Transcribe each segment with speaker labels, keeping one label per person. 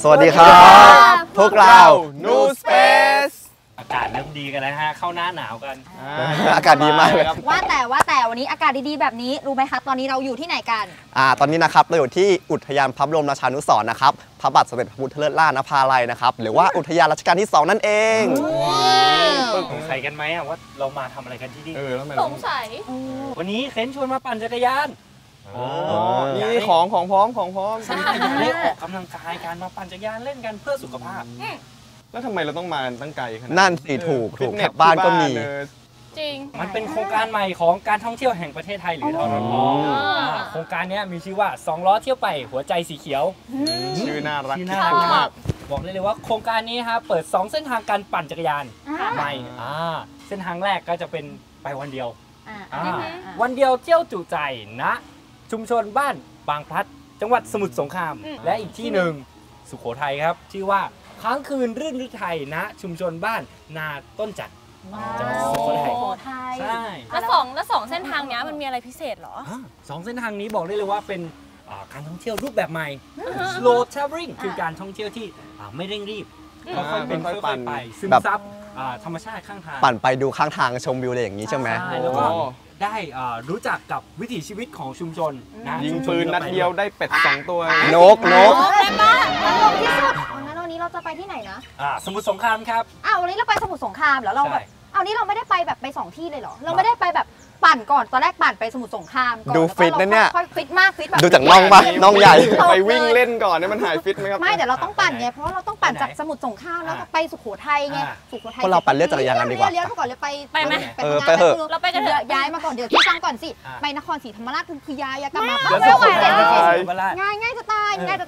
Speaker 1: สวัสดีครับพวกเรา New Space
Speaker 2: อากาศเริ่มดีกันแล้วฮะเข้าหน้าหนาวกัน
Speaker 1: อากาศดีมากเลย
Speaker 3: ว่าแต่วันนี้อากาศดีๆแบบนี้รู้ไหมคะตอนนี้เราอยู่ที่ไหนกัน
Speaker 1: ตอนนี้นะครับเราอยู่ที่อุทยานพระบรมราชานุสรณ์นะครับพระบาทสมเด็จพระพุทธเลิศล่านภาลัยนะครับหรือว่าอุทยานรัชกาลที่ 2นั่นเอง
Speaker 2: สงสัยกันไหมว่าเรามาทำอะไรกันที่นี่
Speaker 4: สงสัย
Speaker 2: วันนี้เค้นชวนมาปั่นจักรยาน
Speaker 5: นี่ของพร้อม
Speaker 2: ใช่ได้ออกกำลังกายการมาปั่นจักรยานเล่นกันเพื่อสุขภาพ
Speaker 5: แล้วทำไมเราต้องมาตั้งไกลขนาด
Speaker 1: นั่นสิถูกแถวบ้านก็มี
Speaker 4: จริง
Speaker 2: มันเป็นโครงการใหม่ของการท่องเที่ยวแห่งประเทศไทยหรือทททโครงการนี้มีชื่อว่า2ล้อเที่ยวไปหัวใจสีเขียว
Speaker 5: ชื่อน่ารัก
Speaker 2: มากบอกเลยว่าโครงการนี้ครับเปิด2เส้นทางการปั่นจักรยานใหม่เส้นทางแรกก็จะเป็นไปวันเดียววันเดียวเที่ยวจุใจณชุมชนบ้านบางพลัดจังหวัดสมุทรสงครามและอีกที่หนึ่งสุโขทัยครับชื่อว่าค้างคืนรื่นฤทัยณชุมชนบ้านนาต้นจันทร์จังหวัดสุโขทัยใช่
Speaker 4: แล้วสองเส้นทางนี้มันมีอะไรพิเศษเหรอ
Speaker 2: 2เส้นทางนี้บอกได้เลยว่าเป็นการท่องเที่ยวรูปแบบใหม่ slow traveling คือการท่องเที่ยวที่ไม่เร่งรีบค่อยๆเป็นค่อยๆไปซึมซับธรรมชาติข้างทาง
Speaker 1: ปั่นไปดูข้างทางชมวิวอะไรอย่างนี้ใช่ไหม
Speaker 2: แล้วก็ได้รู้จักกับวิถีชีวิตของชุมชนนะ
Speaker 5: ยิงปืนนัดเดียวได้เป็ด2ตัวน
Speaker 1: ก
Speaker 3: ได้ปะตลกที่สุดงั้นวันนี้เราจะไปที่ไหนนะ
Speaker 2: สมุทรสงครามครับ
Speaker 3: วันนี้เราไปสมุทรสงครามแล้วเราแบบนี่เราไม่ได้ไปแบบไป2ที่เลยเหรอเราไม่ได้ไปแบบปั่นก่อนตอนแรกปั่นไปสมุทรสงครามก่อน
Speaker 1: ดูฟิตนะเนี่ย
Speaker 3: ฟิตมากฟิตแบบ
Speaker 1: ดูจากน่องปะน่องใหญ่
Speaker 5: ไปวิ่งเล่นก่อนเนี่ยมันหายฟิตไหมครับ
Speaker 3: ไม่แต่เราต้องปั่นไงเพราะเราต้องปั่นจากสมุทรสงครามแล้วก็ไปสุโขทัยไงสุโขทัย
Speaker 1: พวกเราปั่นเลือกจักรยานกันดีกว่า
Speaker 3: เลี้ยวก่อนเลยไป
Speaker 4: ไหม
Speaker 1: ไปเถอะ
Speaker 4: เราไปกันเถอะ
Speaker 3: ย้ายมาก่อนเดี๋ยวที่ฟังก่อนสิไปนครศรีธรรมราชคือยายกลับมา
Speaker 2: ไม่ไหวแล้ว
Speaker 3: ง่ายจะตาย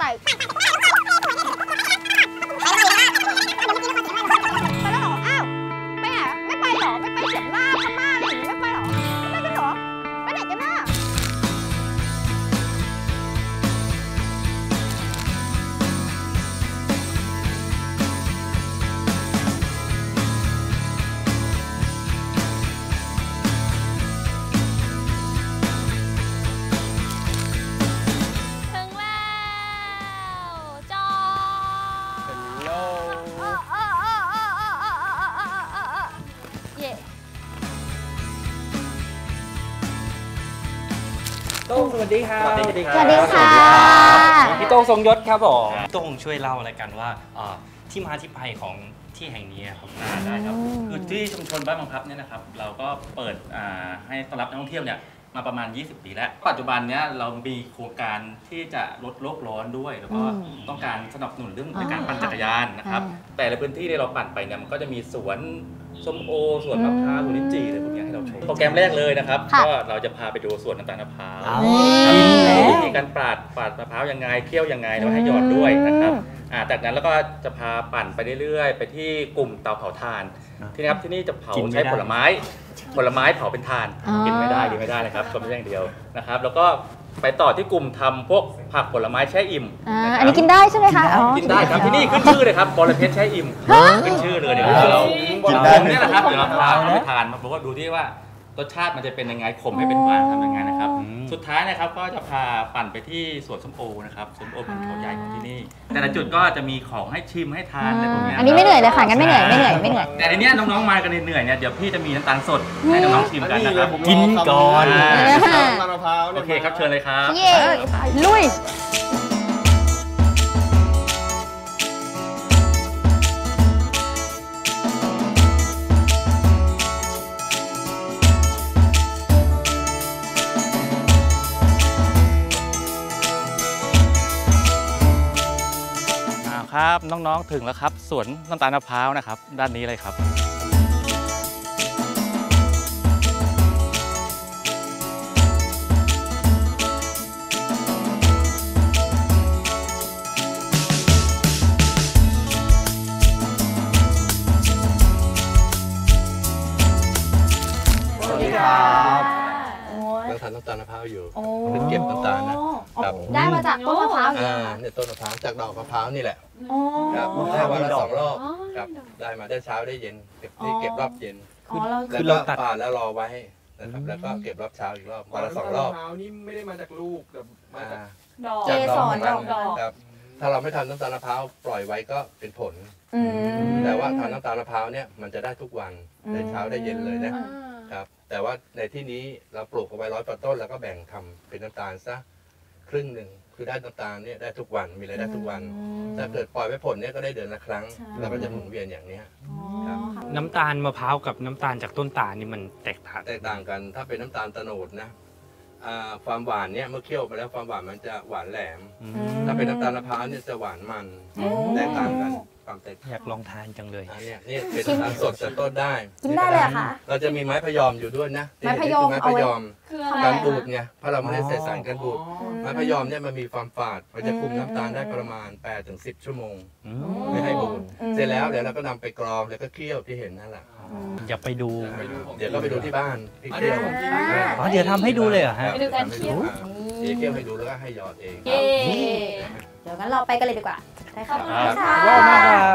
Speaker 3: ไม่ไปหรอไม่ไปเฉียงหน้าพม่าหรือไม่ไปหรอไม่ไปกันหรอไปไหนกันน่ะ
Speaker 4: ถึงแล้วจอ
Speaker 2: โต้งสวัสดีครับ
Speaker 3: สวัสดีค่ะ
Speaker 2: พี่โต้งทรงยศครับผมโต้งช่วยเล่าอะไรกันว่าที่มาที่ไปของที่แห่งนี้ครับ
Speaker 6: ได้ครับคือที่ชุมชนบ้านบางพลับเนี่ยนะครับเราก็เปิดให้ต้อนรับนักท่องเที่ยวเนี่ยมาประมาณ20 ปีแล้วปัจจุบันเนี้ยเรามีโครงการที่จะลดโลกร้อนด้วยแล้วก็ต้องการสนับสนุนเรื่องในการปั่นจักรยานนะครับแต่ละพื้นที่ที่เราปั่นไปเนี่ยมันก็จะมีสวนส้มโอสวนมะพร้าวสวนลิ้นจี่อะไรพวกนี้ให้เราชมโปรแกรมแรกเลยนะครับก็เราจะพาไปดูสวนน้ำตาลมะพร้าววิธีการปาดมะพร้าวยังไงเคี่ยวยังไงแล้วให้หยอดด้วยนะครับจากนั้นแล้วก็จะพาปั่นไปเรื่อยๆไปที่กลุ่มเตาเผาถ่านที่นี่ครับที่นี่จะเผาใช้ผลไม้เผาเป็นถ่านกินไม่ได้นะครับชมได้อย่างเดียวนะครับแล้วก็ไปต่อที่กลุ่มทำพวกผักผลไม้แช่อิ่ม
Speaker 3: อันนี้กินได้ใช่ไหมคะ
Speaker 6: กินได้ครับที่นี่ขึ้นชื่อเลยครับบรเพชรแช่อิ่มขึ้นชื่อเลยเดี๋ยวเรากินได้เนี่ยนะครับเดี๋ยวเราพาไปทานมาบอกว่าดูที่ว่ารสชาติมันจะเป็นยังไงขมให้เป็นหวานทำยังไงนะครับสุดท้ายนะครับก็จะพาปั่นไปที่สวนส้มโอนะครับสวนโอเป็นเขาใหญ่ของที่นี่แต่ละจุดก็จะมีของให้ชิมให้ทานอะไรพวกนี้
Speaker 3: อันนี้ไม่เหนื่อยเลยค่ะงั้นไม่เหนื่อย
Speaker 6: แต่ในนี้น้องๆมากันเหนื่อยเนี่ยเดี๋ยวพี่จะมีน้ำตาลสดให้น้องๆชิมกันนะครับ
Speaker 5: กินก่อน
Speaker 6: โอเคครับเชิญเลยครับ
Speaker 3: ลุย
Speaker 6: ครับน้องๆถึงแล้วครับสวนน้ำตาลมะพร้าวนะครับด้านนี้เลยครับ
Speaker 1: สวัสดีครับ
Speaker 7: นั่งทานน้ำตาลมะพร้าวอยู่เป็นเก็บน้ำตาลนะครับ
Speaker 3: ได้มาจากต้นมะพร้าว
Speaker 7: เนี่ยต้นมะพร้าวจากดอกมะพร้าวนี่แหละครับได้วันละ2 รอบครับได้มาได้เช้าได้เย็นเก็บรอบเย็นแล้วก็ปาดแล้วรอไว้ นะครับแล้วก็เก็บรอบเช้าอีกรอบวันละ2 รอบ
Speaker 5: มะพร้าวนี่ไม่ได้มาจากลูกแต่มาจาก
Speaker 3: ดอกเกสรดอก
Speaker 7: ครับถ้าเราไม่ทำน้ำตาลมะพร้าวปล่อยไว้ก็เป็นผล แต่ว่าทำน้ำตาลมะพร้าวเนี่ยมันจะได้ทุกวันได้เช้าได้เย็นเลยนะครับแต่ว่าในที่นี้เราปลูกเอาไว้100 ต้นแล้วก็แบ่งทำเป็นน้ำตาลซะครึ่งหนึ่งคือได้น้ำตาลเนี่ยได้ทุกวันมีรายได้ทุกวันถ้าเกิดปล่อยไว้ผลเนี่ยก็ได้เดือนละครั้งเราก็จะหมุนเวียนอย่างนี้ครับ
Speaker 2: น้ำตาลมะพร้าวกับน้ำตาลจากต้นตาลนี่มันแตกต่าง
Speaker 7: กันถ้าเป็นน้ำตาลโตนดนะความหวานเนี่ยเมื่อเคี่ยวไปแล้วความหวานมันจะหวานแหลมถ้าเป็นน้ำตาลมะพร้าวเนี่ยจะหวานมันแตกต่างกันความแตก
Speaker 2: อยากลองทานจังเลย
Speaker 7: เนี่ยเป็นน้ำตาลสดจากต้นได้
Speaker 3: กินได้เลยเหรอคะ
Speaker 7: เราจะมีไม้พยอมอยู่ด้วยนะ
Speaker 3: ไม้พยอม
Speaker 7: ไม้พยอมการบูดไงเพราะเราไม่ได้ใส่สารกันบูดไม้พยอมเนี่ยมันมีความฝาดมันจะคุมน้ำตาลได้ประมาณ8-10 ชั่วโมงไม่ให้บูดเสร็จแล้วเดี๋ยวเราก็นำไปกรองแล้วก็เคี่ยวที่เห็นนั่นแหละ
Speaker 2: อยากไปดู
Speaker 7: เดี๋ยวก็ไปดูที่บ้านพี่เคี่ยว
Speaker 2: อ๋อเดี๋ยวทำให้ดูเลยเหรอฮะ
Speaker 4: ไปดูการเคี่ยว
Speaker 7: เดี๋ยวเคี่ยวให้ดูแล้วก็ให้หยอดเอง
Speaker 4: เย้
Speaker 3: เดี๋ยวงั้นเราไปกันเลยดีกว่าได้ค่ะ
Speaker 2: ว้าวมากครับ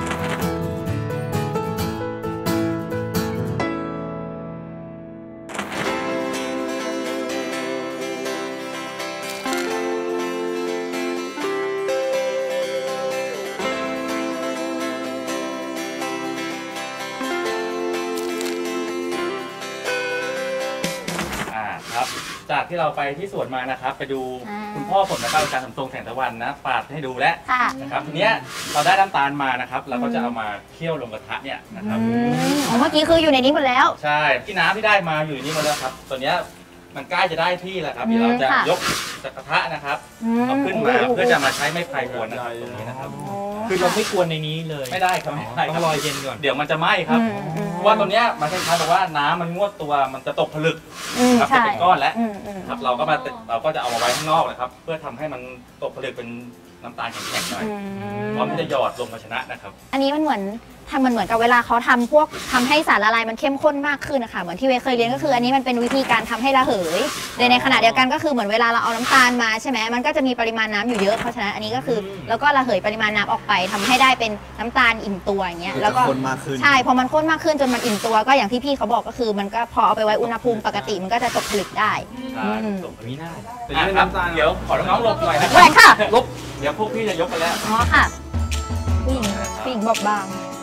Speaker 6: ครับจากที่เราไปที่สวนมานะครับ ไปดูคุณพ่อผมนะครับอาจารย์สมทรงแสงตะวันนะปาดให้ดูแล้ว
Speaker 3: ค่ะ
Speaker 6: นะครับทีเนี้ยเราได้น้ำตาลมานะครับ เราก็จะเอามาเคี่ยวลงกระทะเนี่ยนะครับ
Speaker 3: อ๋อเมื่อกี้คืออยู่ในนี้หมดแล้ว
Speaker 6: ใช่ที่น้ำที่ได้มาอยู่นี่หมดแล้วครับตัวเนี้ยมันใกล้จะได้ที่แล้วครับเดี๋ยวเราจะ
Speaker 3: ค่ะ
Speaker 6: ยกจากกระทะนะครับเอาขึ้นมาเพื่อจะมาใช้ไม้ไผ่กวนนะครับตรงนี้นะครับ
Speaker 2: คือเราไม่กวนในนี้เลย
Speaker 6: ไม่ได้ครับไม่ได้ค
Speaker 2: ต้
Speaker 6: รั
Speaker 2: อบ งรอเย็นก่อน
Speaker 6: เดี๋ยวมันจะไหม้ครับเพราะว่าตัวเนี้ยมันคล้ายๆแบบว่าน้ำมันงวดตัวมันจะตกผลึกครับจะเป็นก้อนแล้วครับเราก็จะเอามาไว้ข้างนอกนะครับ เพื่อทำให้มันตกผลึกเป็นน้ำตาลแข็งๆหน่อยพร้อมที่จะหยอดลงภาชนะนะครับ
Speaker 3: อันนี้มันเหมือนกับเวลาเขาทำพวกทำให้สารละลายมันเข้มข้นมากขึ้นนะคะเหมือนที่เวเคยเรียนก็คืออันนี้มันเป็นวิธีการทำให้ระเหยในขณะเดียวกันก็คือเหมือนเวลาเราเอาน้ำตาลมาใช่ไหมมันก็จะมีปริมาณน้ำอยู่เยอะเพราะฉะนั้นอันนี้ก็คือแล้วก็ระเหยปริมาณน้ำออกไปทำให้ได้เป็นน้ำตาลอิ่มตัวอย่างเงี้ยแล้วก็
Speaker 1: ข้นมากขึ้น
Speaker 3: ใช่พอมันข้นมากขึ้นจนมันอิ่มตัวก็อย่างที่พี่เขาบอกก็คือมันก็พอเอาไปไว้อุณหภูมิปกติมันก็จะตกผลึกได้
Speaker 6: ตกมีหน้าครับเดี๋ยวขอน้องๆหลบหน่อยนะค
Speaker 3: แหว
Speaker 6: รับ
Speaker 3: กค่ะ
Speaker 6: ลบเดี๋ยวพวกพี่จะยกไปแล้ว
Speaker 3: อ๋อค่ะผู้หญิงบอบบาง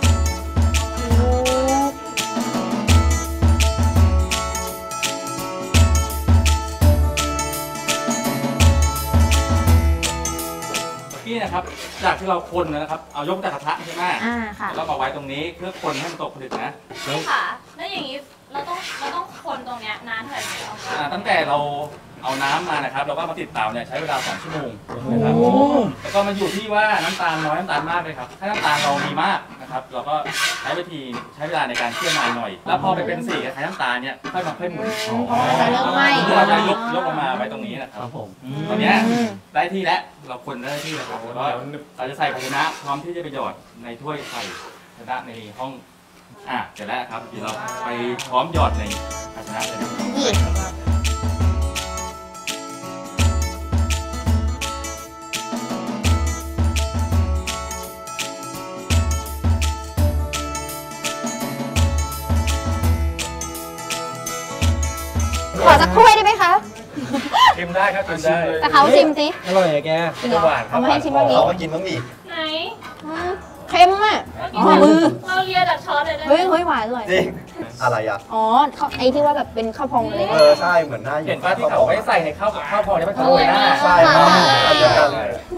Speaker 6: พี่นะครับจากที่เราคนนะครับเอายกจากกระทะใช่ไหม
Speaker 3: ค่ะ
Speaker 6: แล้วมาไว้ตรงนี้เพื่อคนให้มันตกผลึกนะ
Speaker 4: พี่ค่ะ แล้วอย่างนี้เราต้องคนตรงเนี้ยนานเท่าไหร่ถึงจะเอามา
Speaker 6: ตั้งแต่เราเอาน้ำมานะครับเราก็มาติดเตาเนี่ยใช้เวลา2 ชั่วโมงนะครับแล้วก็มันอยู่ที่ว่าน้ำตาลน้อยน้ำตาลมากเลยครับถ้าน้ำตาลเรามีมากนะครับเราก็ใช้เวลาในการเคี่ยวนานหน่อย แล้วพอไปเป็นสีคล้ายน้ำตาลเนี่ยค่อยหมุน
Speaker 3: จะเริ่มไหม้
Speaker 6: เราจะยกลงมาไว้ตรงนี้นะครับผมตอนนี้ได้ที่แล้วเราคนได้ที่แล้วครับแล้วก็เราจะใส่ภาชนะพร้อมที่จะไปหยอดในถ้วยใส่ภาชนะในห้องเสร็จแล้วครับเดี๋ยวเราไปพร้อมหยอดในภาชนะเลยนะครับ
Speaker 3: ขอสักถ้วยได้ไหมคะ
Speaker 6: ชิมได้ครับชิมได้
Speaker 3: แต่เขาชิมสิ
Speaker 2: อร่อยอะแก
Speaker 3: จริงเหรอเอามาให้ชิมบ้างดิ
Speaker 1: เขาก็กินบ้างดิ
Speaker 4: ไหน
Speaker 3: เค็มอ่ะอ๋อมือ
Speaker 4: เราเลียจากช้อนเลยได้ไหม
Speaker 3: เฮ้ยหวานอร่อย
Speaker 1: จริง อะไรอ่ะ
Speaker 3: อ๋อไอ้ที่ว่าแบบเป็นข้าวพองเลย
Speaker 1: ใช่เหมือนหน้า
Speaker 6: เห็นป้าที่เขาไม่ใส่ในข้าวพอเนี่ยมันโรยหน้า
Speaker 1: ใช่ครับอันเดียวกันเลย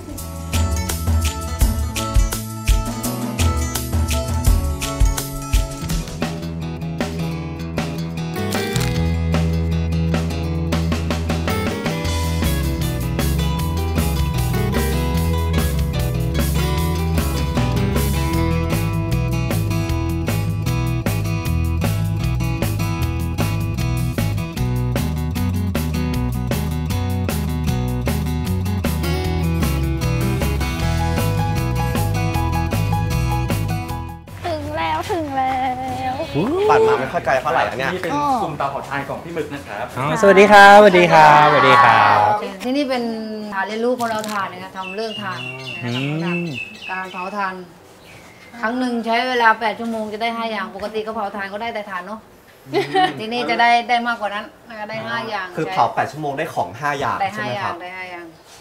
Speaker 3: ถึงแล้ว
Speaker 1: ปั่นมาไม่ค่อยไกลเท่าไหร่อะเนี่ย
Speaker 6: นี่เป็นกลุ่มเตาเผาถ่านของพี่หมึกนะครับ
Speaker 2: สวัสดีครับ สวัสดีครับ สวัสดีครับ
Speaker 8: ที่นี่เป็นฐานเรียนรู้คนเราทานนะคะทำเรื่องทานนะคะการเผาทานครั้งหนึ่งใช้เวลา8 ชั่วโมงจะได้5 อย่างปกติก็เผาทานก็ได้แต่ทานเนาะที่นี่จะได้มากกว่านั้นนะคะได้5 อย่าง
Speaker 1: คือเผา8 ชั่วโมงได้ของ 5 อย่าง
Speaker 8: ได้
Speaker 1: ใช่ไหม
Speaker 8: 5 อ
Speaker 1: ค
Speaker 8: ย่า
Speaker 1: รั
Speaker 8: ง
Speaker 1: บ
Speaker 8: ได้5 อย่าง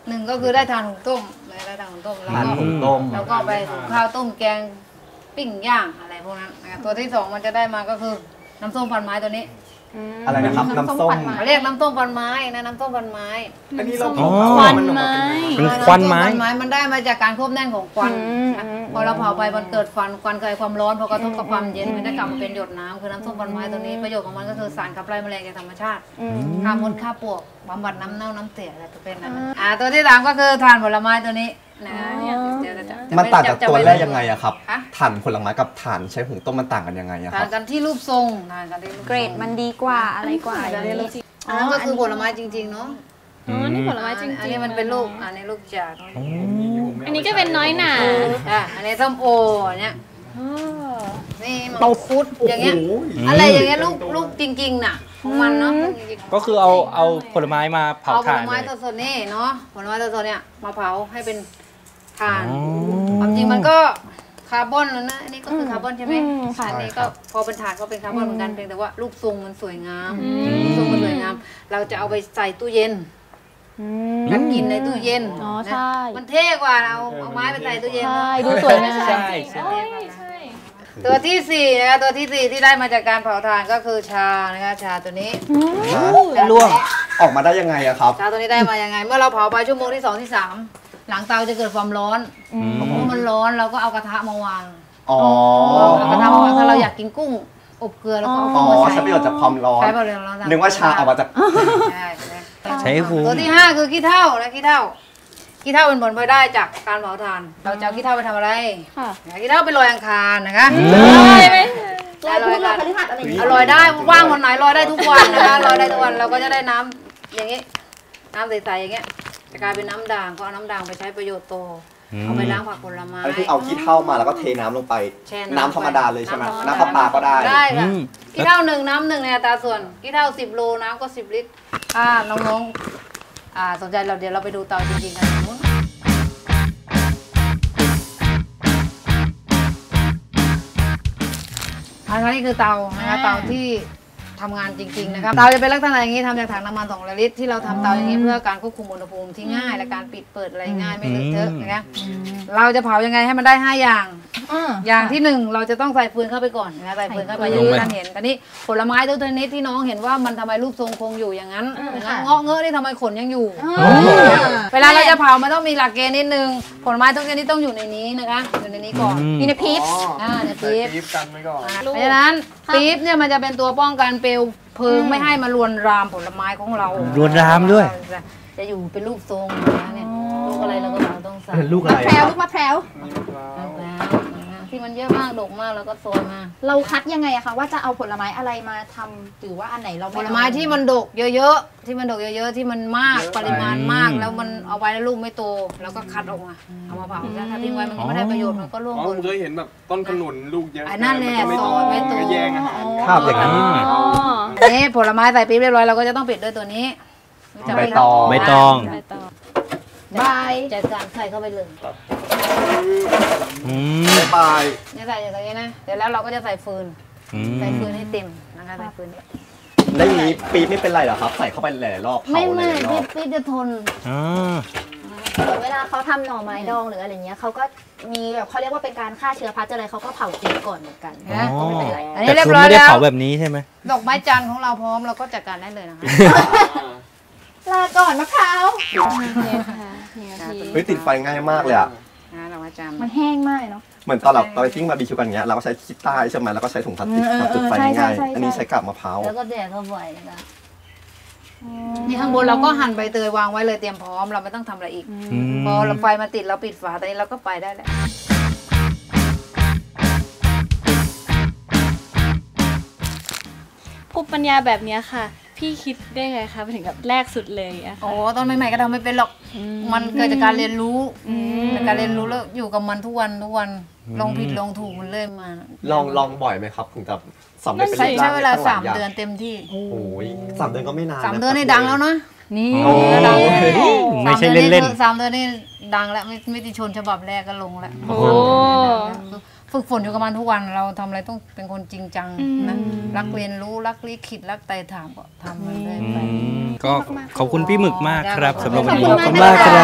Speaker 8: 1ก็คือได้ทานหุงต้มได้ทานหุงต้มแล้ว
Speaker 1: ทาน
Speaker 8: ก็
Speaker 1: หุงต้ม
Speaker 8: แล้วก็ไปหุงข้าวต้มแกงปิ้งย่างอะไรพวกนั้นนะคะตัวที่ 2มันจะได้มาก็คือน้ำส้มพันไม้ตัวนี้
Speaker 1: อะไรนะครับน้ำส้ม
Speaker 8: เขาเรียกน้ำส้มพันไม้นะน้ำส้มพันไม้
Speaker 5: อันนี้เรา
Speaker 2: อ๋อ
Speaker 5: ควันไม้
Speaker 2: เป็นควันไม้
Speaker 8: ำส้พันไม้มันได้มาจากการควบแน่นของควันนะพอเราเผาไปมันเกิดควันเกิดความร้อนพอกระทบกับความเย็นมันจะกลับมาเป็นหยดน้ำคือน้ำส้มพันไม้ตัวนี้ประโยชน์ของมันก็คือสารขับไล่แมลงจากธรรมชาติฆ่ามดฆ่าปลวกบำบัดน้ำเน่าน้ำเสียอะไรประเภทนั้นตัวที่ 3ก็คือทานผลไม้ตัวนี้นะเนี่ยเดี๋ยวจะ
Speaker 1: มันต่างจากตัวแรกยังไงอะครับ
Speaker 8: ฮะ
Speaker 1: ถ่านผลไม้กับถ่านใช้หุงต้มมันต่างกันยังไงอะค
Speaker 8: ทา
Speaker 1: รั
Speaker 8: น
Speaker 1: บ
Speaker 8: กันที่รูปทรงทานกันที่รูปทรง
Speaker 3: เกรดมันดีกว่าอะไรกว่าอย่างนี้
Speaker 8: อันนั้นก็คือผลไม้จริงๆเนาะ
Speaker 4: อ๋อนี่ผลไม้จริงๆ
Speaker 8: อันนี้มันเป็นลูกอันนี้ลูกจาก
Speaker 4: อันนี้ก็เป็นน้อยหนา
Speaker 8: อันนี้ส้มโอเนี่ยนี่มังคุดอย่างเงี้ยอะไรอย่างเงี้ยลูกจริงๆน่ะของมันเนาะ
Speaker 2: ก็คือเอาผลไม้มาเผา
Speaker 8: เอาผ
Speaker 2: ถ่า
Speaker 8: ล
Speaker 2: น
Speaker 8: ไม้
Speaker 2: เลย
Speaker 8: สดๆนี่เนาะผลไม้สดๆเนี่ยมาเผาให้เป็นถ่าน
Speaker 2: อ๋อ
Speaker 8: ความจริงมันก็คาร์บอนแล้วนะอันนี้ก็คือคาร์บอนใช่ไหม
Speaker 3: ค่ะ
Speaker 8: อันนี้ก็พอเป็นถ่านก็เป็นคาร์บอนเหมือนกันเพียงแต่ว่ารูปทรงมันสวยงามรูปทรงมันสวยงาม เราจะเอาไปใส่ตู้เย็นกันกินในตู้เย็น
Speaker 3: อ๋อ
Speaker 8: นะ
Speaker 3: ใช่
Speaker 8: มันเท่กว่าเอาไม้ไปใส่ตู้เย็น
Speaker 3: ใช่ดูสวยงาม
Speaker 2: ใช่
Speaker 8: ตัวที่ 4นะคะตัวที่ 4 ที่ได้มาจากการเผาถ่านก็คือชานะคะชาตัวนี้
Speaker 1: ล่วงออกมาได้ยังไงอะครับ
Speaker 8: ชาตัวนี้ได้มายังไง เมื่อเราเผาไปชั่วโมงที่ 2 ที่ 3 หลังเตาจะเกิดความร้อนเมื่อมันร้อนเราก็เอากระทะมาวาง
Speaker 1: อ๋อ
Speaker 8: เอากระทะมาวางถ้าเราอยากกินกุ้งอบเกลือแล้วก็เอา
Speaker 1: อ๋
Speaker 8: กุ้
Speaker 1: อง
Speaker 8: มาใส่
Speaker 1: ใช้ประโยชน์จากความร้อน
Speaker 8: ใช้ประโยชน์ร้อน
Speaker 1: นึกว่าชาออกมาจาก
Speaker 8: ใช่
Speaker 2: ใช้ฟู
Speaker 8: ตัวที่ 5 คือขี้เถ้านะขี้เถ้าเป็นผลพลอยได้จากการเผาถ่าน เราจะเอาขี้เถ้าไปทำอะไร
Speaker 3: ค่ะ
Speaker 8: ขี้เถ้าไปลอยอังคารนะคะ
Speaker 3: ลอยพุธลอยพฤหัสอะไรอย่าง
Speaker 8: อ
Speaker 3: เงี้ย
Speaker 8: ร่อยได้ว่างวันไหนลอยได้ทุกวันนะคะลอยได้ทุกวันเราก็จะได้น้ำอย่างนี้น้ำใสๆอย่างเงี้ยจะกลายเป็นน้ำด่างก็เอาน้ำด่างไปใช้ประโยชน์โตเอาไปล้างผักผลไม้
Speaker 1: อันนี้คือเอาขี้เถ้ามาแล้วก็เทน้ำลงไป
Speaker 8: แช่
Speaker 1: น้ำธรรมดาเลยใช่ไหม
Speaker 8: น้ำ
Speaker 1: น้ำประปาก็ได้
Speaker 8: ได้ค่ะขี้เถ้า1น้ำ1ในอัตราส่วนขี้เถ้า10 โลน้ำก็10 ลิตรถ้าน้องๆสนใจเราเดี๋ยวเราไปดูเตาจริงๆกันตรงนู้นอันนี้คือเตานะคะเตาที่ทำงานจริงๆนะครับเตาจะเป็นลักษณะอย่างนี้ทำจากถังน้ำมัน2 ลิตรที่เราทำเตาอย่างนี้เพื่อการควบคุมอุณหภูมิที่ง่ายและการปิดเปิดอะไรง่ายไม่เลอะเทอะนะคะเราจะเผายังไงให้มันได้5 อย่าง อย่างที่ 1เราจะต้องใส่ฟืนเข้าไปก่อนนะใส่ฟืนเข้าไปอย่างที่ท่านเห็นตอนนี้ผลไม้ทุกชนิดที่น้องเห็นว่ามันทำไมรูปทรงคงอยู่อย่างนั้นเงาะเงอะนี่ทำไมขนยังอยู่ เวลาเราจะเผามันต้องมีหลักเกณฑ์นิดนึงผลไม้ทุกชนิดต้องอยู่ในนี้นะคะอยู่ในนี้ก่อน
Speaker 3: มีในพีช
Speaker 8: ในปี๊บ
Speaker 5: ปี๊บกันไว้ก่อน
Speaker 8: เพราะฉะนั้นปี๊บเนี่ยมันจะเป็นตัวป้องกันเปลวเพลิงไม่ให้มาลวนรามผลไม้ของเรา
Speaker 2: รวนรามด้วย
Speaker 8: จะอยู่เป็นรูปทรงนะเนี่ยลูกอะไรเราก็ต้องใส่
Speaker 1: ลูกอะไร
Speaker 3: แพรวลูกมะพร้าว
Speaker 8: ที่มันเยอะมากดกมากแล้วก็โซยมา
Speaker 3: เราคัดยังไงอะคะว่าจะเอาผลไม้อะไรมาทำหรือว่าอันไหนเรา
Speaker 8: ผลไม้ที่มันดกเยอะๆที่มันดกเยอะๆที่มันมากปริมาณมากแล้วมันเอาไว้แล้วลูกไม่โตแล้วก็คัดออกมาเอามาเผาถ้าทิ้งไว้มันก็ไม่ได้ประโยชน์มันก็ร่วง
Speaker 5: อ๋อ
Speaker 8: ห
Speaker 5: ผม มเคยเห็นแบบต้นขนุนลูกเยอะ
Speaker 8: อันนั้นแหละ
Speaker 5: ไม่
Speaker 8: ซ
Speaker 5: โต
Speaker 8: อยไม่โต
Speaker 5: ก็แย่งอาหาร
Speaker 1: ภาพอย่างนั้น
Speaker 8: นี่ผลไม้ใส่ปี๊บเรียบร้อยเราก็จะต้องปิดด้วยตัวนี้
Speaker 1: ใบตอง
Speaker 2: ใบตอง
Speaker 3: ใบ
Speaker 8: จัดการใส่เข้าไปเลย
Speaker 2: อืม
Speaker 1: ไป
Speaker 8: เนี่ยใส่อย่างนี้นะเสร็จแล้วเราก็จะใส่ฟืน
Speaker 2: อืม
Speaker 8: ใส่ฟืนให้เต็มนะคะใส่ฟืน
Speaker 1: แล้วอย่างนี้ปี๊บไม่เป็นไรเหรอครับ ใส่เข้าไปหลายๆรอบเผา
Speaker 8: ไม่
Speaker 1: หลายๆรอบ
Speaker 8: ปี๊บจะทน
Speaker 2: อ๋อ
Speaker 3: เวลาเขาทำหน่อไม้ดองหรืออะไรเงี้ยเขาก็มีแบบเขาเรียกว่าเป็นการฆ่าเชื้อพลาสติกอะไรเขาก็เผาทิ้งก่อนเหมือนกัน
Speaker 8: นะ
Speaker 3: ก็ไม่เป็นไร
Speaker 8: อันนี้
Speaker 2: แต่
Speaker 8: เรีย
Speaker 2: คุณ
Speaker 8: บร้อย
Speaker 2: ไม่ได้
Speaker 8: แล้ว
Speaker 2: เผาแบบนี้ใช่ไหม
Speaker 8: ดอกไม้จันทร์ของเราพร้อมเราก็จัดการได้เลยนะคะ
Speaker 3: ลาก่อนมะพร้าว
Speaker 1: เฮ้ยติดไฟง่ายมากเลยอะ
Speaker 8: ดอกไม้จันทร์
Speaker 3: มันแห้งมากเนาะ
Speaker 1: เหมือนตอนเราไปทิ้งบาร์บีคิวกันอย่างเงี้ยเราก็ใช้ขี้ใต้ใช่ไหมแล้วก็ใช้ถุงพลาสติกทำจุดไฟ
Speaker 3: ใช่
Speaker 1: ง่าย
Speaker 3: ใช่
Speaker 1: ๆอันนี้ใช้กาบมะพร้าว
Speaker 8: แล้วก็แดดเข้าไปนะคะนี่ข้างบนเราก็หั่นใบเตยวางไว้เลยเตรียมพร้อมเราไม่ต้องทำอะไรอีก
Speaker 2: อืม
Speaker 8: พอเราไฟมาติดเราปิดฝาตอนนี้เราก็ไปได้แล้ว
Speaker 4: ภูมิปัญญาแบบเนี้ยค่ะ พี่คิดได้ไงคะไปถึงกับแรกสุดเลยอะ
Speaker 8: โอ้ตอนใหม่ๆก็ทำไม่เป็นหรอก มันเกิดจากการเรียนรู้จากการเรียนรู้แล้วอยู่กับมันทุกวันลองผิดลองถูกมันเรื่อยมา
Speaker 1: ลองบ่อยไหมครับถึงจะสำเร็จเป็น
Speaker 8: ใช้เวลา
Speaker 1: ตั้งห
Speaker 8: 3
Speaker 1: ย่ง
Speaker 8: เดือนเต็มที่
Speaker 1: โอ้ย3 เดือนก็ไม่นาน
Speaker 8: 3 เดือนนี่ดังแล้วนะนี่
Speaker 1: โอ้
Speaker 8: ดัง
Speaker 2: ไม่ใช่เล่น
Speaker 8: 3 เดือนนี่ดังแล้วไม่ติชนฉบับแรกก็ลงแล้ว
Speaker 4: โอ้
Speaker 8: ฝึกฝนอยู่กับมันทุกวันเราทำอะไรต้องเป็นคนจริงจังนะรักเรียนรู้รักลิขิตรักไต่ถามก็ทำมันเลยไป
Speaker 2: ก็ขอบคุณพี่หมึกมากครับสำหรับวันนี้
Speaker 3: ขอบคุณมากครับ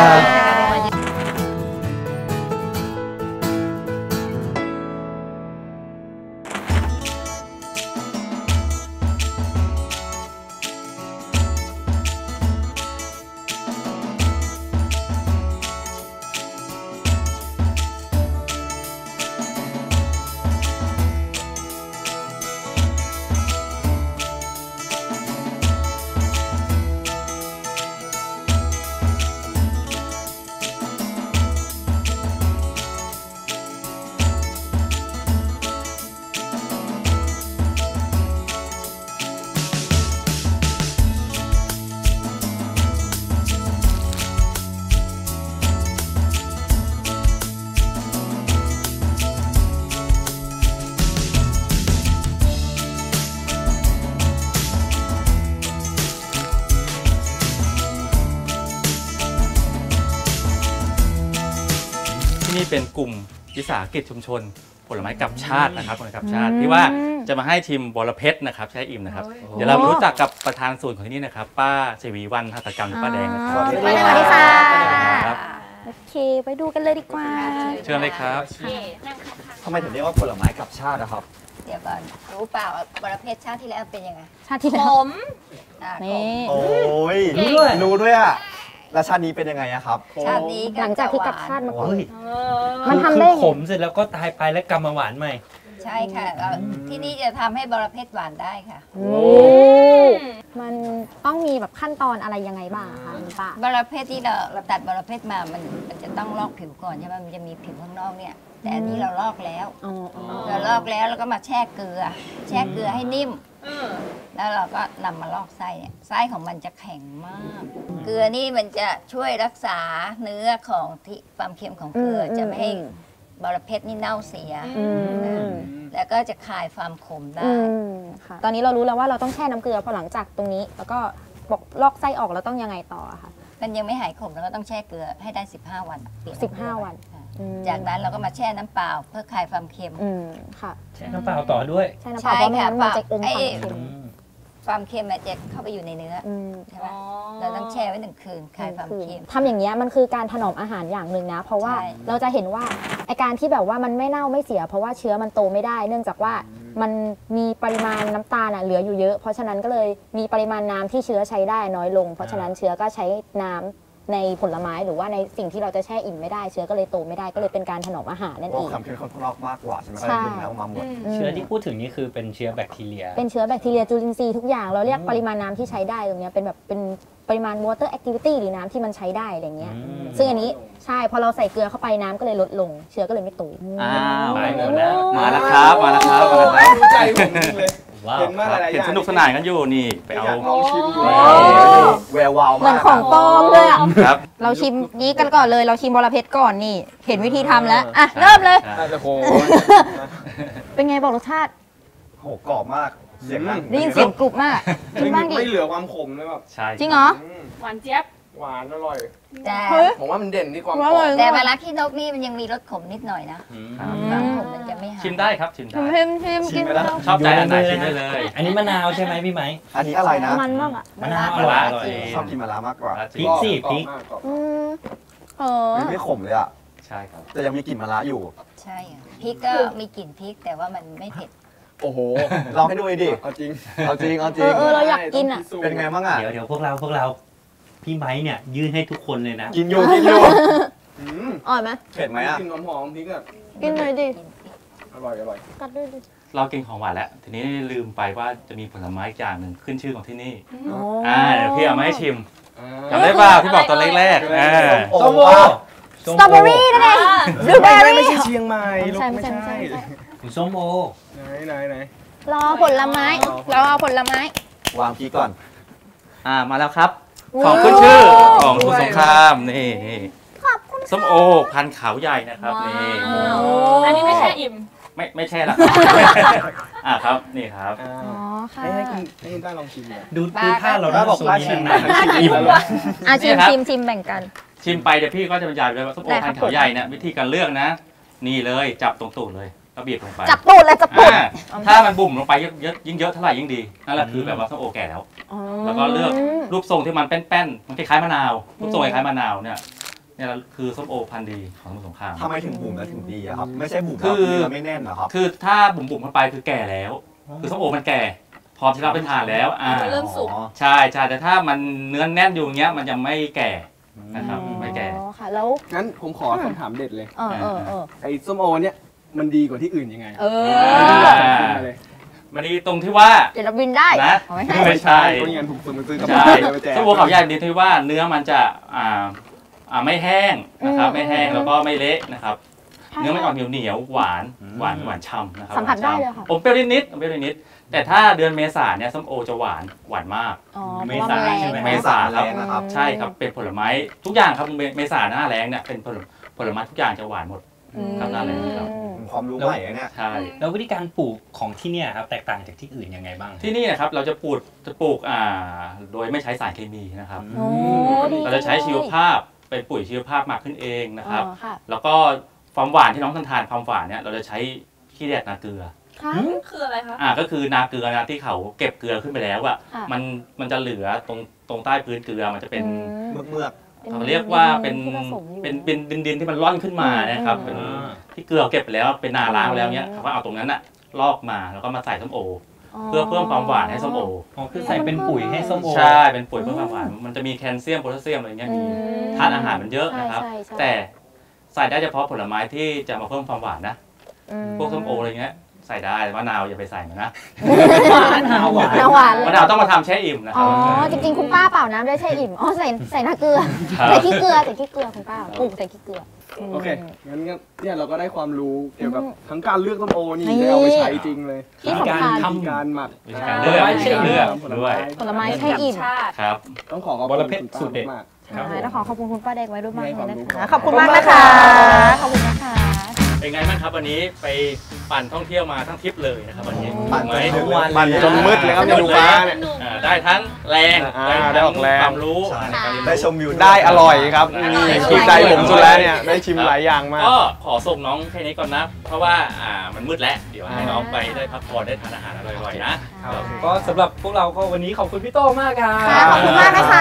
Speaker 6: ที่นี่เป็นกลุ่มวิสาหกิจชุมชนผลไม้กับชาตินะครับผลไม้กับชาติที่ว่าจะมาให้ทีมบรเพชรนะครับใช้อิ่มนะครับเดี๋ยวเรารู้จักกับประธานศูนย์ของที่นี่นะครับป้าชวีวรรณหัตถกรรมหรือป้าแดงนะครับ
Speaker 3: สวัสดีค่ะ
Speaker 6: ครับ
Speaker 3: โอเคไปดูกันเลยดีกว่า
Speaker 6: เชิญเลยครับ
Speaker 1: ทำไมถึงเรียกว่าผลไม้กับชาตินะครับ
Speaker 9: เดี๋ยวก่อนรู้เปล่าบรเพชรชาติที่แล้วเป็นยังไง
Speaker 3: ชาติที่แล้ว นี่
Speaker 1: โอ้ยรู้ด้วยอะแล้วชาตินี้เป็นยังไงอะครับ
Speaker 9: ชาตินี้
Speaker 3: หลังจากที่กับชาติมาก่อน
Speaker 2: เฮ้ย
Speaker 3: มันทำได้
Speaker 2: คือขมเสร็จแล้วก็ตายไปแล้วกลับมาหวานใหม่
Speaker 9: ใช่ค่ะที่นี่จะทำให้บรเพชรหวานได้ค่ะ
Speaker 3: มันต้องมีแบบขั้นตอนอะไรยังไงบ้างอะคะคุณป้า
Speaker 9: บรเพชรที่เราตัดบรเพชรมามันจะต้องลอกผิวก่อนใช่ไหมมันจะมีผิวข้างนอกเนี่ย แต่อันนี้เราลอกแล้ว เราลอกแล้วแล้วก็มาแช่เกลือ แช่เกลือให้นิ่ม แล้วเราก็นำมาลอกไส้เนี่ยไส้ของมันจะแข็งมาก เกลือนี่มันจะช่วยรักษาเนื้อของที่ความเค็มของเกลือจะไม่ให้บรเพชรนี่เน่าเสียแล้วก็จะคลายความขมได้
Speaker 3: ค่ะตอนนี้เรารู้แล้วว่าเราต้องแช่น้ำเกลือพอหลังจากตรงนี้ แล้วก็บอกลอกไส้ออกแล้วต้องยังไงต่ออะคะ
Speaker 9: มันยังไม่หายขมแล้วก็ต้องแช่เกลือให้ได้ 15 วันเปลี่ยน
Speaker 3: 15 วัน
Speaker 9: ค่ะจากนั้นเราก็มาแช่น้ำเปล่าเพื่อคลายความเค็ม
Speaker 3: ค่ะ
Speaker 2: แช่น้ำเปล่าต่อด้วย
Speaker 3: แช่น้ำเปล่าเพราะไม่งั้นมันจะอมความเค็ม
Speaker 9: ความเค็มมันจะเข้าไปอยู่ในเนื้อใช่ไหมเราต้องแช่ไว้1 คืนคลายความเค็ม
Speaker 3: ทำอย่างเงี้ยมันคือการถนอมอาหารอย่างหนึ่งนะ เพราะว่า
Speaker 9: ใช่
Speaker 3: เราจะเห็นว่าไอการที่แบบว่ามันไม่เน่าไม่เสีย เพราะว่าเชื้อมันโตไม่ได้ เนื่องจากว่ามันมีปริมาณน้ำตาลเหลืออยู่เยอะ เพราะฉะนั้นก็เลยมีปริมาณน้ำที่เชื้อใช้ได้น้อยลง เพราะฉะนั้นเชื้อก็ใช้น้ำในผลไม้หรือว่าในสิ่งที่เราจะแช่อิ่มไม่ได้ เชื้อก็เลยโตไม่ได้ก็เลยเป็นการถนอมอาหารนั่น
Speaker 1: โอ้
Speaker 3: เอง
Speaker 1: คำเค็มข้างนอกมากกว่าใช่ไหมก็เลยดึงแล้วมาหมด
Speaker 2: เชื้อที่พูดถึงนี่คือเป็นเชื้อแบคทีเรีย
Speaker 3: เป็นเชื้อแบคทีเรียจุลินทรีย์ทุกอย่างเราเรียกปริมาณน้ำที่ใช้ได้ตรงเนี้ยเป็นแบบเป็นปริมาณ water activity หรือน้ำที่มันใช้ได้อะไรเงี้ยซึ่งอันนี้ใช่พอเราใส่เกลือเข้าไปน้ำก็เลยลดลง เชื้อก็เลยไม่โต
Speaker 6: อ้าว
Speaker 2: ไปหมดแล้ว
Speaker 6: มาแล้วครับมาแล้วครับมาแล้วครับ
Speaker 5: รู้ใจผมจริงเลย
Speaker 2: ว้าว
Speaker 5: เห็นมาหลายๆอ
Speaker 6: เห็น
Speaker 5: ย่าง
Speaker 6: สนุกสนานกันอยู่นี่ไปเอา
Speaker 5: อยากลองชิมดู
Speaker 1: แวววาว
Speaker 3: เหมื
Speaker 1: มา
Speaker 3: อน
Speaker 1: ก
Speaker 3: ของปลอมเลยอ่ะ
Speaker 6: ครับ
Speaker 3: เราชิมนี้กันก่อนเลยเราชิมบรเพชรก่อนนี่ เห็นวิธีทำแล้วอ่ะเริ่มเลย
Speaker 5: น่าจะโค
Speaker 3: เป็นไงบอกรสชาติ
Speaker 1: โหกรอบมากเสียงนั่ง
Speaker 3: ได้ยินเสียงกรุบมากกินบ้างดิ
Speaker 5: ไม่เหลือความขมเลยแบบ
Speaker 6: ใช่
Speaker 3: จริงเหรอ
Speaker 4: หวานเจี๊ยบ
Speaker 5: หวานอร่อย
Speaker 9: แต่
Speaker 3: เฮ้ย
Speaker 5: ผมว่ามันเด่นที่ความ
Speaker 3: ว่า
Speaker 5: กร
Speaker 3: เล
Speaker 5: อย บ
Speaker 9: แต่มะระขี้นกนี่มันยังมีรสขมนิดหน่อยนะ
Speaker 6: ครับ
Speaker 9: ความขมมันจะไม่หาย
Speaker 6: ชิมได้ครับชิมได้
Speaker 3: ชิมกินแล้ว
Speaker 6: ชอบใจอันไหนชิมได้เลย
Speaker 2: อันนี้มะนาวใช่ไหมพี่ไหม
Speaker 1: อันนี้อะไรนะ
Speaker 3: มันมากอ่ะ
Speaker 2: มะนาวอร่อยอร่อย
Speaker 1: ชอบกินมะระมากกว่า
Speaker 2: พริกสิพริก
Speaker 3: อืมเออ
Speaker 1: ไม่ขมเลยอะ
Speaker 6: ใช่ครับ
Speaker 1: แต่ยังมีกลิ่นมะระอยู่
Speaker 9: ใช่ค่ะพริกก็มีกลิ่นพริกแต่ว่ามันไม่เผ็ด
Speaker 5: โอ้โห
Speaker 1: ลองให้ดูดิ
Speaker 5: เอาจริง
Speaker 1: เอาจริงเอาจริง
Speaker 3: เออเราอยากกินอ่ะ
Speaker 1: เป็นไงบ้างอะ
Speaker 2: เดี๋ยวพวกเราพี่ไม้เนี่ยยื่นให้ทุกคนเลยนะ
Speaker 1: กินอยู่กินอยู่
Speaker 5: อืม
Speaker 3: อร่อยไหม
Speaker 1: เผ็ดไหมอะ
Speaker 5: กลินหอมๆพริกอ่ะ
Speaker 3: กินเลยดิ
Speaker 5: อร่อยอร่อย
Speaker 3: กัดด้วยดิ
Speaker 6: เรากินของหวานแล้วทีนี้ลืมไปว่าจะมีผลไม้อีกอย่างหนึ่งขึ้นชื่อของที่นี่
Speaker 3: โอ้
Speaker 6: เดี๋ยวพี่เอามาให้ชิมจำได้ป่ะที่บอกตอนแรกๆ
Speaker 1: ส้มโอ
Speaker 3: สตรอเบอรี่นั่นเองบลูเบอรี่
Speaker 5: ไม่ใช่เชียงใหม่ลูก
Speaker 3: ใช่
Speaker 5: ไม่
Speaker 3: ใช่
Speaker 5: ใช่
Speaker 3: ใช่
Speaker 2: คุณส้มโอ
Speaker 5: ไหน
Speaker 3: รอผลไม้เราเอาผลไม้
Speaker 1: วางพีก่อน
Speaker 6: มาแล้วครับ ของขึ้นชื่อของสมุทรสงครามนี่ส้มโอพันธุ์ขาวใหญ่นะครับนี่
Speaker 4: อันนี้ไม่ใช่อิ่ม
Speaker 6: ไม่ใช่ละครับนี่ครับ
Speaker 5: อ่า
Speaker 3: อ๋อค่ะ
Speaker 5: ให้คุณต้าลองชิมเลย
Speaker 2: ดูท่าเรา
Speaker 1: ถ้า
Speaker 2: น่า
Speaker 1: บอก
Speaker 2: สู
Speaker 1: ว่า
Speaker 2: นี้
Speaker 1: ชิม
Speaker 2: นานๆอิ่มแล้ว
Speaker 3: อ่ะชิม
Speaker 6: นี่ครับ
Speaker 3: ชิมแบ่งกัน
Speaker 6: ชิมไปเดี๋ยวพี่ก็จะบรรยายเลยว่าส้มโอ
Speaker 3: ได้ครั
Speaker 6: พั
Speaker 3: บ
Speaker 6: นธุ์ขาวใหญ่เนี่ยวิธีการเลือกนะ นี่เลยจับตรงตูดเลยก็บีบลงไป
Speaker 3: จับตูดเลยจับตูด
Speaker 6: ถ้ามันบุ่มลงไปเยอะยิ่งเยอะเท่าไหร่ยิ่งดีนั่นแหละคือแบบว่าส้มโอแก่แล้วแล้วก็เลือกรูปทรงที่มันแป้นๆมันคล้ายๆมะนาวรูปทรงคล้ายๆมะนาวเนี่ยคือส้มโอพันธุ์ดีของสมุทรสงคราม
Speaker 1: ทำไมถึงบุ๋มแล้วถึงดีอะครับไม่ใช่บุ๋ม
Speaker 6: คือ
Speaker 1: เนื้อไม่แน่นเหรอครับ
Speaker 6: คือถ้าบุ่มๆเข้าไปคือแก่แล้ว คือส้มโอมันแก่พร้อมที่เราไปทานแล้ว
Speaker 4: เริ่มสุก
Speaker 6: ใช่แต่ถ้ามันเนื้อแน่นอยู่อย่างเงี้ยมันยังไม่แก่นะครับไม่แก่
Speaker 3: อ๋อค่ะแล้ว
Speaker 5: งั้นผมขอคำถามเด็ดเลย
Speaker 3: เออ
Speaker 5: ไอ้ส้มโอเนี่ยมันดีกว่าที่อื่นยังไง มาเลย
Speaker 6: มันดีตรงที่ว่า
Speaker 3: เดี๋ยวเราบินได้
Speaker 6: นะ
Speaker 3: อ๋อไม่ใช่
Speaker 6: ไม่ใช่
Speaker 5: ก็งั้นผมซื้อกับ
Speaker 6: ใช่
Speaker 5: บ้านไปแจก
Speaker 6: ส้มโอเขาใหญ่ดีที่ว่าเนื้อมันจะไม่แห้งนะครับไม่แห้งแล้วก็ไม่เละนะครับ เนื้อมันออกเหนียวหวานฉ่ำนะครับ
Speaker 3: สัมผัสได้เลยค่ะ
Speaker 6: อมเปรี้ยวนิดแต่ถ้าเดือนเมษาเนี่ยส้มโอจะหวานมาก
Speaker 3: อ๋อ
Speaker 2: เมษาใช่ไหม
Speaker 6: เมษาครับ
Speaker 1: แรงนะครับ
Speaker 6: ใช่ครับเป็นผลไม้ทุกอย่างครับเมษาหน้าแล้งเนี่ยเป็นผลไม้ทุกอย่างจะหวานหมดครับหน้าแล้งครับ
Speaker 1: ความรู้ใหม่อะเนี่ย
Speaker 6: ใช่
Speaker 2: แล้ววิธีการปลูกของที่เนี่ยครับแตกต่างจากที่อื่นยังไงบ้าง
Speaker 6: ที่นี่นะครับเราจะปลูกโดยไม่ใช้สารเคมีนะครับ
Speaker 3: โอ้ดี
Speaker 6: เราจะใช้ชีวภาพเป็นปุ๋ยชีวภาพหมักขึ้นเองนะครับ
Speaker 3: อ๋อค่ะ
Speaker 6: แล้วก็ความหวานที่น้องทานความหวานเนี่ยเราจะใช้ขี้แดดนาเกลือ
Speaker 3: ค่ะ
Speaker 4: คืออะไรคะ
Speaker 6: ก็คือนาเกลือนะที่เขาเก็บเกลือขึ้นไปแล้วอะ
Speaker 3: ค่ะ
Speaker 6: มันจะเหลือตรงใต้พื้นเกลือมันจะเป็น
Speaker 1: เมือก
Speaker 6: เขาเรียกว่าเป็น
Speaker 3: ที่ผสมอยู่
Speaker 6: เป็นดินที่มันร่อนขึ้นมานะครับเป็นที่เกลือเก็บไปแล้วเป็นนาล้างไปแล้วเนี้ยเขาก็เอาตรงนั้นอะลอกมาแล้วก็มาใส่ส้มโอ เพื่อเพิ่มความหวานให้ส้มโอ
Speaker 2: อ๋อคือใส่เป็นปุ๋ยให้ส้มโอ
Speaker 6: ใช่เป็นปุ๋ยเพิ่มความหวานมันจะมีแคลเซียมโพแทสเซียมอะไรเงี้ยมีทานอาหารมันเยอะนะครับ
Speaker 3: ใช่ใช่
Speaker 6: แต่ใส่ได้เฉพาะผลไม้ที่จะมาเพิ่มความหวานนะพวกส้มโออะไรเงี้ยใส่ได้มะนาวอย่าไปใส่มันนะ
Speaker 2: มะนาวหวาน
Speaker 3: น้ำหวานเลย
Speaker 6: มะนาวต้องมาทำแช่อิ่มนะค
Speaker 3: อ๋
Speaker 6: รั
Speaker 3: อบ จริงๆคุณป้าเปล่าน้ำด้วยใช่อิ่มอ๋อใส่น้ำเกลือ
Speaker 6: ครับ
Speaker 3: ใส่ขี้เกลือคุณป้าปลูกใส่ขี้เกลือ
Speaker 5: โอเค งั้นเนี่ยเราก็ได้ความรู้เกี่ยวกับ
Speaker 3: อืม
Speaker 5: ทั้งการเลือกส้มโอนี่
Speaker 3: นี่
Speaker 5: ได้เอาไปใช้จริงเลย
Speaker 3: ที่สำคัญ
Speaker 5: วิธีการหมัก
Speaker 6: วิธีการเลือกวิธีการเลือกด้วย
Speaker 3: ผลไม้ใช่อิ่ม
Speaker 4: ชาติ
Speaker 6: ครับ
Speaker 5: ต้องขอขอบ
Speaker 2: ว
Speaker 5: คุ
Speaker 2: ร
Speaker 5: ณ
Speaker 2: เพชร
Speaker 5: คุณป้า
Speaker 2: สูตรเด็ด
Speaker 5: มาก
Speaker 2: ครับผม
Speaker 3: ต้องขอขอบคุณคุณป้าแดงไว้ด้วยมากเลยนะคะ
Speaker 5: ขอบคุณ
Speaker 3: ขอบคุณมากนะคะ ขอบคุณนะคะ
Speaker 6: เป็นไงบ้างครับวันนี้ไปปั่นท่องเที่ยวมาทั้งทริปเลยนะครับวันนี้
Speaker 1: ปั่น
Speaker 6: ไหม
Speaker 1: จนมืด
Speaker 5: ปั่นจนมืดเลยครับเนี่ยดูฟ้าเนี่ย
Speaker 6: ได้ทั้งแรง
Speaker 5: ได้ออกแรง
Speaker 6: ความรู้
Speaker 1: ใช่
Speaker 6: ในการเรียนรู้
Speaker 1: ได้ชมวิว
Speaker 5: ได้อร่อยครับ
Speaker 6: ได้
Speaker 5: ถูกใจผมสุดแล้วเนี่ย ได้ชิมหลายอย่างมาก
Speaker 6: ก็ขอส่งน้องแค่นี้ก่อนนะ เพราะว่ามันมืดแล้ว เดี๋ยวให้น้องไปได้พักผ่อนได้ทานอาหารอร่อยๆนะ
Speaker 2: ก็สำหรับพวกเราก็วันนี้ขอบคุณพี่โต้มากครับ
Speaker 3: ค่ะขอบคุณมากนะคะ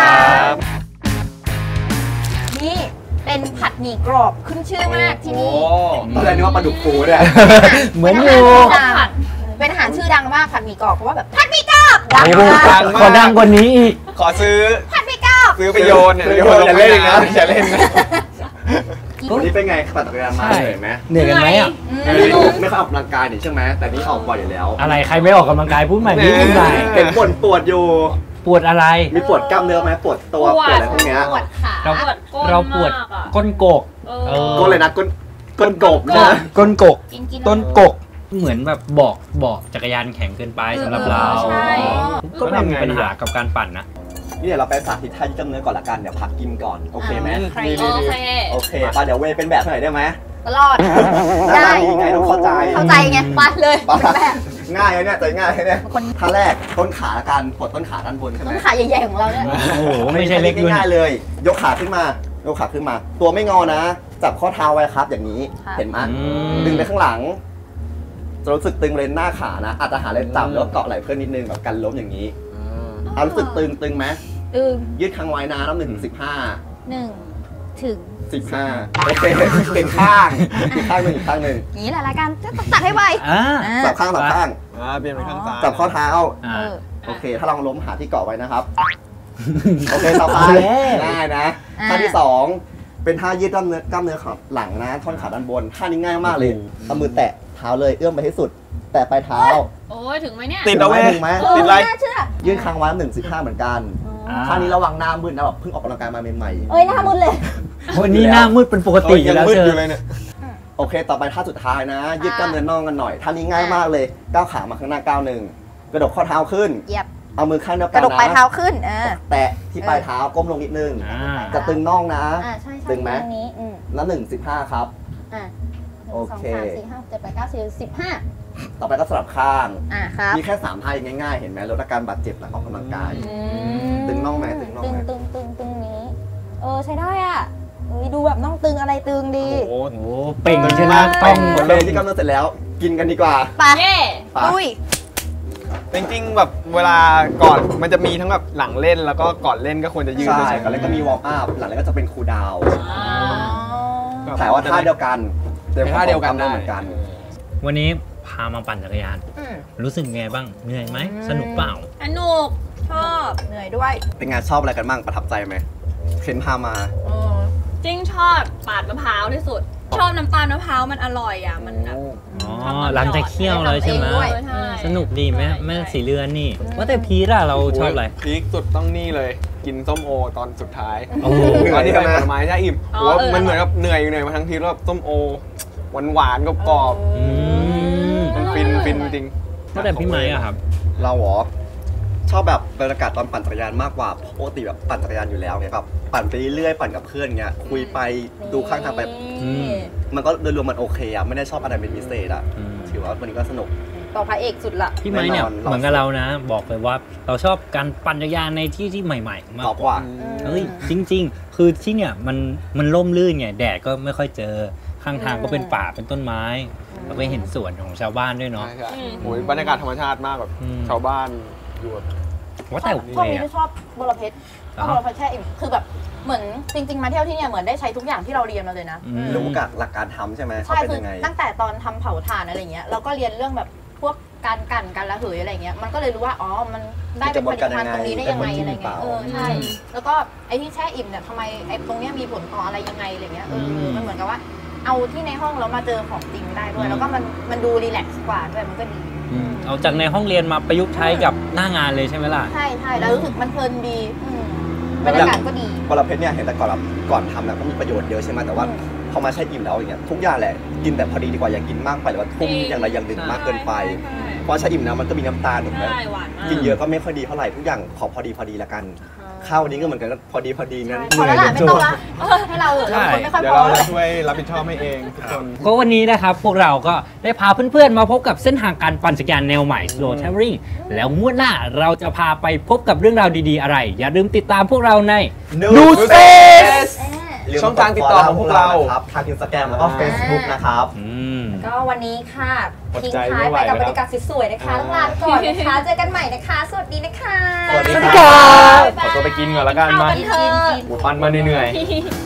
Speaker 3: นี่เป็นผัดหมี่กรอบขึ้นชื่อมากที่นี่
Speaker 1: ตอนแรกนึกว่าปลาดุกฟูเนี่ย
Speaker 2: เหมือนอยู่
Speaker 3: เป็นอาหารชื่อดังมากผัดหมี่กรอบเพราะว่าแบบผัดหมี่กรอบดัง
Speaker 2: โอ้โห
Speaker 3: มาก
Speaker 2: ขอดังกว่านี้อีก
Speaker 5: ขอซื้อ
Speaker 3: ผัดหมี่กรอบ
Speaker 5: ซื้อไปโยนเนี่ย
Speaker 1: อย่าเล่นนะ
Speaker 5: อย่าเล่นนะ
Speaker 1: วันนี้เป็นไงปั่นจักรยานมาเหนื่อยไหม
Speaker 2: เหนื่อยกันไหมอ่ะ
Speaker 1: ไม่ค่อยออกกำลังกายนี่ใช่ไหมแต่นี่ออกบ่อยอยู่แล้ว
Speaker 2: อะไรใครไม่ออกกำลังกายพูดใหม่พูดใหม่
Speaker 1: เห็นปวดอยู่
Speaker 2: ปวดอะไร
Speaker 1: มีปวดกล้ามเนื้อไหมปวดตัวปวดอะไรพวกเนี้ย
Speaker 3: ปวดขา
Speaker 2: เรา
Speaker 4: ปวดก้น
Speaker 2: เราปวด
Speaker 4: มากอะ
Speaker 2: ก้นกก
Speaker 1: ก้นเลยนะก้นกบใช่ไหม
Speaker 2: ก้นกก
Speaker 4: กิน
Speaker 2: ต้นกกเหมือนแบบเบาะจักรยานแข็งเกินไปสำหรับเรา
Speaker 4: ใช่
Speaker 2: ก็ไม่มีปัญหากับการปั่นนะ
Speaker 1: นี่เดี๋ยวเราไปสาธิตท่ายืดกล้ามเนื้อก่อนละกันเดี๋ยวพักกินก่อนโอเคไหม
Speaker 4: โอเค
Speaker 1: โอเคป่ะเดี๋ยวเวย์เป็นแบบหน่อยได้ไหม
Speaker 3: ตลอด
Speaker 1: ได้
Speaker 3: ได้
Speaker 1: ไงต้องเข้าใจ
Speaker 3: เข้าใจไงไปเลย
Speaker 1: ป่ะ
Speaker 3: เป็นแบบ
Speaker 1: ง่ายเลยเนี่ยใจง่ายเลยเนี่ย
Speaker 3: คน
Speaker 1: ท่าแรกต้นขาละกันปลดต้นขาด้านบนใช่ไหม
Speaker 3: ต้นขาใหญ่ๆของเราเนี่ย
Speaker 2: โอ้โหไม่ใช่เล็กด้วย
Speaker 1: ง่ายๆเลย ยกขาขึ้นมายกขาขึ้นมา ตัวไม่งอนะ จับข้อเท้าไว้ครับอย่างนี้เห็นไหมดึงไปข้างหลังจะรู้สึกตึงเลนหน้าขานะอาจจะหาเลนต่ำแล้วก็เกาะไหล่เพื่อนนิดนึงแบบกันล้มอย่างนี้เอารู้สึกตึงไหม
Speaker 3: ตึง
Speaker 1: ยืดค้างไว้นะนับ1 ถึง 15
Speaker 3: ถึง
Speaker 1: 15โอเคเป็นข้างอีกข้างหนึ่งอีกข้างหนึ่ง
Speaker 3: นี่แหละรายการจะตัดให้ไว
Speaker 2: อ่า
Speaker 1: จับข้างจับข้าง
Speaker 5: เปลี่ยนเป็นข้างซ้าย
Speaker 1: จับข้อเท้า
Speaker 2: อ่า
Speaker 1: โอเค ถ้าลองล้มหาที่เกาะไว้นะครับ โอเคต่อไป
Speaker 2: โอเค
Speaker 1: ง่ายนะท่าที่ 2 เป็นท่ายืดกล้ามเนื้อขาหลังนะท่อนขาด้านบนท่านี้ง่ายมากเลยเอามือแตะเท้าเลยเอื้อมไปให้สุด แตะปลายเท้า
Speaker 4: โอ้ยถึงไหมเนี่ย
Speaker 5: ติดเอาไว้
Speaker 1: ถึงไหม
Speaker 5: ติดอะไร
Speaker 3: น่าเชื่อ
Speaker 1: ยื่นค้างไว้1.15เหมือนกัน
Speaker 2: อ่า
Speaker 1: ท่านี้ระวังหน้ามืดนะแบบเพิ่งออกกำลังกายมาใหม่
Speaker 3: เอ้ยหน้ามุดเลย
Speaker 2: วันนี้หน้ามืดเป็นปกติอยู่แล้ว
Speaker 5: มืด
Speaker 2: เจ
Speaker 5: อ
Speaker 2: อยู่
Speaker 5: เลยเนี่ย
Speaker 1: ๆโอเค ต่อไปท่าสุดท้ายนะ ยืดกล้ามเนื้อน่องกันหน่อยท่านี้ง่ายมากเลยก้าวขามาข้างหน้าก้าวหนึ่งกระดกข้อเท้าขึ้น
Speaker 3: เหยียบ
Speaker 1: เอามือข้างเดียว
Speaker 3: ก
Speaker 1: กั
Speaker 3: ระ
Speaker 1: น
Speaker 3: ดกปลาย
Speaker 1: นะ
Speaker 3: เท้าขึ้น
Speaker 1: แตะที่ปลายเท้าก้มลงนิดนึง
Speaker 2: อ่า
Speaker 1: จะตึงน่องนะ
Speaker 3: ใช่ใช่
Speaker 1: ตึงไหม
Speaker 3: ตรงนี้
Speaker 1: แล้ว1.15ครับ
Speaker 3: อ่ะ
Speaker 1: โอเค
Speaker 3: 1 2 3 4 5 6 7 8 9 10 15
Speaker 1: ต่อไปก็สลับข้าง
Speaker 3: ครับ
Speaker 1: มีแค่3ท่าง่ายๆ เห็นไหมลดอาการบาดเจ็บหลังออกกำลังกาย ตึงน่องไหมตึงน่องไหม
Speaker 3: ตึงนี้ใช้ได้อ่ะดูแบบน่องตึงอะไรตึงดี
Speaker 2: โอ้โหเป่งใช่ไหม
Speaker 1: ต้
Speaker 2: ต้
Speaker 1: อ
Speaker 2: อง ง
Speaker 1: หมดเลยที่กำเนิดเสร็จแล้วกินกันดีกว่า
Speaker 3: ไป
Speaker 4: เย่
Speaker 1: ไป
Speaker 3: ลุย
Speaker 5: จริงๆแบบเวลาก่อนมันจะมีทั้งแบบหลังเล่นแล้วก็ก่อนเล่นก็ควรจะยืด
Speaker 1: ใช่
Speaker 5: ด้วยใช่ไหม
Speaker 1: ก่อนเล่นก็มีวอร์มอัพหลังเล่นก็จะเป็นคูลดาวน์
Speaker 5: แบบ
Speaker 1: แต่ว่าท่าเดียวกัน
Speaker 5: ท่าเดียวกันได้
Speaker 1: เหมือนกัน
Speaker 2: วันนี้พามาปั่นจักรยาน รู้สึกไงบ้างเหนื่อยไหมสนุกเปล่า
Speaker 4: สนุกชอบ
Speaker 3: เหนื่อยด้วย
Speaker 1: เป็นไงานชอบอะไรกันบ้างประทับใจไหมเคนพามา
Speaker 4: จริงชอบปาดมะพร้าวที่สุด ชอบน้ำตาลมะพร้าวมันอร่อยอ่ะมันแบบ
Speaker 2: อ๋อหลังจากเคี่ยวเลยใช่ไหม
Speaker 4: ใช่
Speaker 2: สนุกดีไหมแม่สีเรือนนี่ ว่าแต่พีร่ะเราชอบอะไร
Speaker 5: พีคสุดต้องนี่เลยกินส้มโอตอนสุดท้าย
Speaker 2: โอ้โห
Speaker 5: ตอนที่ไปผลไม้ใช่อิ่มผมว่ามันเหมือนกับเหนื่อยมาทั้งทีแล้วแบบส้มโอหวานๆกรอบ
Speaker 2: อืม
Speaker 5: ๆมันฟินจริง
Speaker 2: ว่าแต่พี่ไม้อะครับ
Speaker 1: เราเหรอชอบแบบบรรยากาศตอนปั่นจักรยานมากกว่าปกติแบบปั่นจักรยานอยู่แล้วไงแบบปั่นไปเรื่อยๆปั่นกับเพื่อนเงี้ยคุยไปดูข้างทางไป
Speaker 2: อืม
Speaker 1: มันก็โดยรวมมันโอเคอะไม่ได้ชอบอะไรเป็นพิเศษอะ
Speaker 2: อืม
Speaker 1: ถือว่าวันนี้ก็สนุก
Speaker 3: ต่อพระเอกสุดละ
Speaker 2: พี่ไม้เนี่ย
Speaker 1: แน่นอน
Speaker 2: เหมือนกับเรานะ บอกเลยว่าเราชอบการปั่นจักรยานในที่ที่ใหม่ๆมาก
Speaker 1: ตอบว่า
Speaker 2: เฮ้ยจริง ๆ คือที่เนี่ยมันร่มรื่นไงแดดก็ไม่ค่อยเจอข้างทางก็เป็นป่าเป็นต้นไม้แล้วก็เห็นสวนของชาวบ้านด้วย
Speaker 5: ๆ
Speaker 2: เนาะ
Speaker 5: ใช่ๆโอ้ยบรรยากาศธรรมชาติมากแบบ
Speaker 2: อืม
Speaker 5: ชาวบ้านอยู่แบบ
Speaker 2: ว่าแต่
Speaker 3: พวก
Speaker 2: เว
Speaker 3: นี้
Speaker 2: ย์
Speaker 3: ที่ชอบบรเพชรชอบบรเพชรแช่อิ่มคือแบบเหมือนจริง ๆ มาเที่ยวที่เนี่ยเหมือนได้ใช้ทุกอย่างที่เราเรียนมาเลยนะ
Speaker 1: รู้กับหลักการทำใช่ไหมเขา
Speaker 3: ใช่
Speaker 1: เป็น
Speaker 3: คือ
Speaker 1: ยังไง
Speaker 3: ตั้งแต่ตอนทำเผาถ่านอะไรเงี้ยเราก็เรียนเรื่องแบบพวกการกั่นการระเหยอะไรเงี้ยมันก็เลยรู้ว่าอ๋อมันได้เป็นผลิตภัณฑ์ตรงนี้ได้ยังไงอะไรเงี้ยใช่แล้วก็ไอ้ที่แช่อิ่มเนี่ยทำไมไอ้ตรงเนี้ยมีผลต่ออะไรยังไงอะไรเงี้ยมันเหมือนกับว่าเอาที่ในห้องแล้วมาเจอของจริงได้ด้วย แล้วก็มันดูรีแลกซ์กว่าด้วยมันก็ดี
Speaker 2: เอาจากในห้องเรียนมาประยุกต์ใช้กับหน้างานเลยใช่ไหมล่ะ
Speaker 3: ใช่ใช่แล้วรู้สึกมันเพลินดีบรรยากาศก็ดี
Speaker 1: บรเพชรเนี่ยเห็นแต่ก่อนทำนะก็มีประโยชน์เยอะใช่ไหมแต่ว่าพอมาใช้อิ่มแล้วอย่างเงี้ยทุกอย่างแหละกินแต่พอดีดีกว่าอย่ากินมากไปหรือว่าทุ่มอย่างใดอย่างหนึ่งมากเกินไปเพราะใช้อิ่มนะมันก็มีน้ำตาลถูกไหม
Speaker 4: ใช่หวานมาก
Speaker 1: กินเยอะก็ไม่ค่อยดีเท่าไหร่ทุกอย่างขอพอดีละกันข้าววันนี้ก็เหมือนกันพอดีงั้น
Speaker 3: พอแล้วล่ะไม่ต้องละให้เราเราคนไม่ค่อย
Speaker 5: เดี๋ย
Speaker 3: พ
Speaker 5: ว
Speaker 3: อ
Speaker 5: เรา
Speaker 3: แล้ว
Speaker 5: จะช่วยรับผิดชอบให้เองทุกคน
Speaker 2: ก็วันนี้นะครับพวกเราก็ได้พาเพื่อนๆมาพบกับเส้นทางการปั่นจักรยานแนวใหม่ Slow Traveling แล้วงวดหน้าเราจะพาไปพบกับเรื่องราวดีๆอะไร อย่าลืมติดตามพวกเราใน
Speaker 1: New
Speaker 5: Space
Speaker 1: ลืม
Speaker 5: ช่องทางติดต่อของพวกเรา
Speaker 1: ครับทาง Instagram แล้วก็ Facebook นะครับ
Speaker 3: ก็วันนี้ค่ะ
Speaker 5: อด
Speaker 3: ทิ้ง
Speaker 5: ใจ
Speaker 3: ท้า
Speaker 5: ไม่
Speaker 3: ย
Speaker 5: ไหว
Speaker 3: ไปกับ
Speaker 5: แล้ว
Speaker 3: บรรยากาศสวยๆนะคะต้องลาไปก่อนนะคะ เจอกันใหม่นะคะ สวัสดีนะคะ
Speaker 1: สวัสดี
Speaker 5: สวัสดี
Speaker 1: ค
Speaker 5: ค
Speaker 1: รั
Speaker 5: รับ บขอตัวไปกินก่อนละกันมา
Speaker 3: กิน
Speaker 5: หมูปั้นมาเหนื่อยๆ